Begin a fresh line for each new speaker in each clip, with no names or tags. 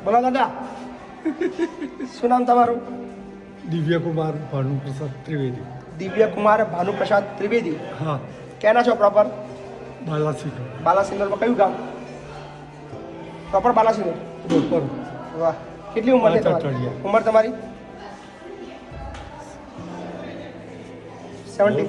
બોલો દાદા શું નામ તમારું?
દિવ્ય કુમાર ભાનુપ્રસાદ ત્રિવેદી.
દિવ્ય કુમાર ભાનુપ્રસાદ ત્રિવેદી.
હા.
ક્યાંના છો પ્રોપર?
બાલાસિંહ
બાલાસિનોરમાં કયું ગામ? પ્રોપર બાલાસિનોર.
પ્રોપર.
વાહ, કેટલી ઉંમર છે તમારી?
અઠવાડિયા.
ઉંમર તમારી 70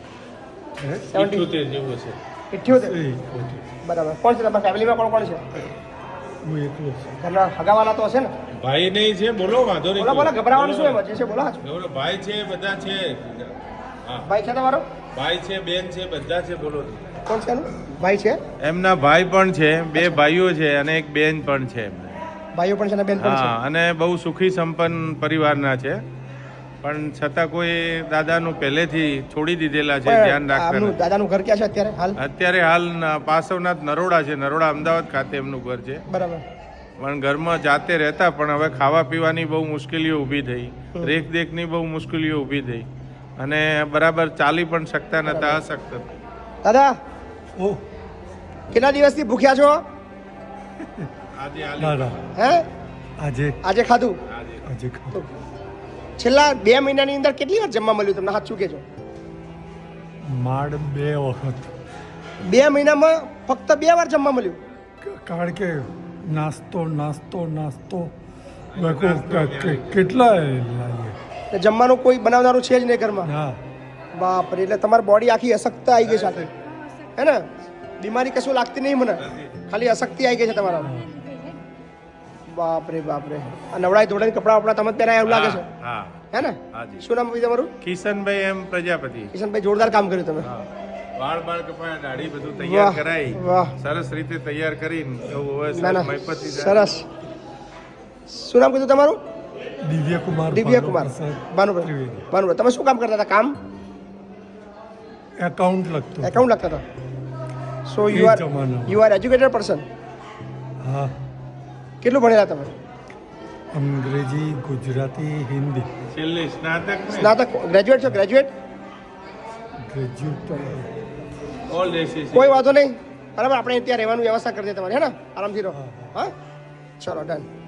78 જેવું છે.
78. બરાબર. કોણ છે તમારા ફેમિલીમાં? કોણ કોણ છે?
હું એકલો છું.
ઘરના હગાવાલા તો હશે ને?
ભાઈ નહીં છે, બોલો વાંધો નહીં.
બોલો બોલો, ગભરાવાનું શું એમાં? જે છે બોલો.
બોલો, ભાઈ છે, બધા છે. હા,
ભાઈ છે તમારો?
ભાઈ છે, બેન છે, બધા છે. બોલો.
કોણ છે એનું? ભાઈ છે?
એમના ભાઈ પણ છે, બે ભાઈઓ છે અને એક બેન પણ છે એમને.
ભાઈઓ પણ છે અને બેન પણ છે.
હા, અને બહુ સુખી સંપન્ન પરિવારના છે, પણ છતાં કોઈ દાદાનું પહેલેથી છોડી દીધેલા છે, ધ્યાન રાખતા
આમનું
નથી.
દાદાનું ઘર ક્યાં છે અત્યારે હાલ?
અત્યારે હાલ પાસવનાથ નરોડા છે, નરોડા અમદાવાદ ખાતે એમનું ઘર છે.
બરાબર.
પણ ઘરમાં જાતે રહેતા, પણ હવે ખાવા પીવાની બહુ મુશ્કેલીઓ ઊભી થઈ, રેખદેખની બહુ મુશ્કેલીઓ ઊભી થઈ, અને બરાબર ચાલી પણ શકતા નતા, અશક્ત.
દાદા
ઓ
કેટલા દિવસથી ભૂખ્યા છો?
આજે
દાદા
હે?
આજે
ખાધું?
આજે ખાધું.
છેલ્લા 2 મહિનાની અંદર કેટલી વાર જમવા મળ્યું તમને? હાથ શું કહેજો.
માડ 2 વખત.
2 મહિનામાં ફક્ત 2 વાર જમવા મળ્યું?
કારણ કે નાસ્તો કેટલા લાવીએ.
એટલે જમવાનું કોઈ બનાવનારું છે જ નહીં ઘરમાં?
હા.
બાપ રે, એટલે તમારી બોડી આખી અશક્ત આવી ગઈ સાથે, હે ને? બીમારી કશું લાગતી નહીં મને, ખાલી અશક્તિ આવી ગઈ છે તમારા. બાપ રે બાપ રે. આ નવડાઈ ધોળાઈ કપડા વપડા તમે પહેરાય એવું લાગે છે,
હા,
હે ને?
હાજી.
શું નામ તમારું?
કિશનભાઈ એમ પ્રજાપતિ.
કિશનભાઈ, જોરદાર કામ કર્યું તમે.
હા. વાળ કપાયા, દાઢી બધું તૈયાર
વાહ,
કરાઈ,
વાહ.
સરસ રીતે તૈયાર કરીને એવું હવે
ના ના,
મહીપતિ થાય.
સરસ. શું નામ કીધું તમારું?
દિવ્ય કુમાર
દિવ્ય કુમાર ભાનુપ્રસાદ
ત્રિવેદી.
ભાનુપ્રસાદ. તમે શું કામ કરતા હતા? કામ
એકાઉન્ટ લખતો.
એકાઉન્ટ લખતા હતા. સો
એ
યુ
જમાનામાં.
Are educated person.
હા.
કેટલું ભણેલા તમે?
અંગ્રેજી, ગુજરાતી, હિન્દી.
છેલ્લે સ્નાતક ને
સ્નાતક, ગ્રેજ્યુએટ છો? ગ્રેજ્યુએટ?
ગ્રેજ્યુએટ
ઓલ એસીસી.
કોઈ વાંધો નહીં. બરાબર, આપણે ત્યાં રહેવાનું વ્યવસ્થા કરી દે તમારી, હે ને? આરામથી રહો. હા, ચલો ડન.